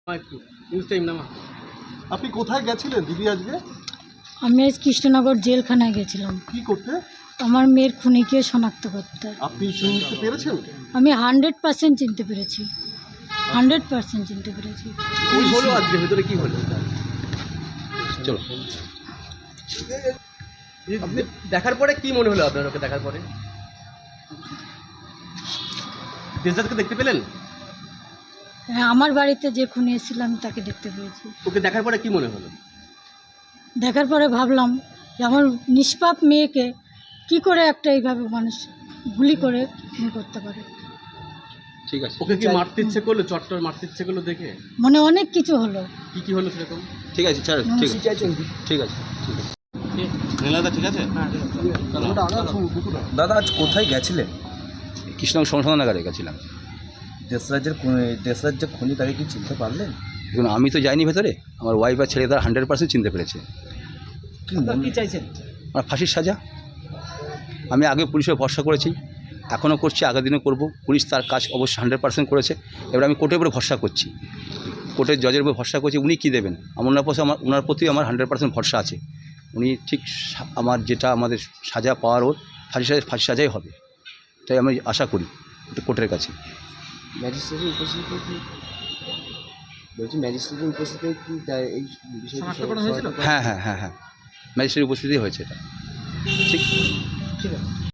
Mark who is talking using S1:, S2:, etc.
S1: আপনি কোথায় গেছিলেন দিদি আজকে?
S2: আমি আজ কৃষ্ণনগর জেলখানায় গেছিলাম
S1: কি করতে?
S2: আমার মেয়ের খুনিকে শনাক্ত করতে।
S1: আপনি চিনতে পেরেছেন?
S2: আমি 100% চিনতে পেরেছি, 100% চিনতে পেরেছি।
S3: কি হলো আজকে ভেতরে, কি হলো? চলো। আপনি দেখার পরে কি মনে হলো আপনার? ওকে দেখার পরে দেশদাদকে দেখতে পেলেন?
S2: হ্যাঁ, আমার বাড়িতে যে খুনি এসেছিল আমি তাকে দেখতে পেয়েছি।
S3: ওকে দেখার পরে কি মনে হলো?
S2: দেখার পরে ভাবলাম যে আমার নিষ্পাপ মেয়েকে কি করে একটা এইভাবে মানুষ গুলি করে খুন করতে পারে।
S3: ঠিক আছে। ওকে কি মারতে ইচ্ছে করলো? চট্টর মারতে ইচ্ছে করলো দেখে?
S2: মনে অনেক কিছু হলো।
S3: কি হলো সেরকম? ঠিক আছে, স্যার, ঠিক আছে, ঠিক আছে, ঠিক আছে। নীলাদা ঠিক আছে?
S4: দাদা আজ কোথায় গেছিলেন?
S5: কৃষ্ণনগর সংশোধনাগারে গেছিলাম।
S4: দেশরাজ যে খুনি তাকে কি চিনতে পারলেন?
S5: দেখুন, আমি তো যাইনি ভেতরে, আমার ওয়াইফ আর ছেলে তারা 100% চিনতে পেরেছে।
S4: কি চাইছেন?
S5: আমার ফাঁসির সাজা। আমি আগে পুলিশে ভরসা করেছি, এখনও করছি, আগের দিনও করব। পুলিশ তার কাজ অবশ্যই 100% করেছে। এবার আমি কোর্টের উপরে ভরসা করছি, কোর্টের জজের উপরে ভরসা করছি। উনি কী দেবেন ওনার প্রতি আমার 100% ভরসা আছে। উনি ঠিক আমার যেটা আমাদের সাজা পাওয়ার ওর ফাঁসি সাজাই হবে, তাই আমি আশা করি কোর্টের কাছে।
S6: ম্যাজিস্ট্রেটের উপস্থিতিতে কি বলছি, ম্যাজিস্ট্রেটের উপস্থিতিতে কি এই বিষয়টি
S5: হ্যাঁ, ম্যাজিস্ট্রেটের উপস্থিতি হয়েছে এটা। ঠিক।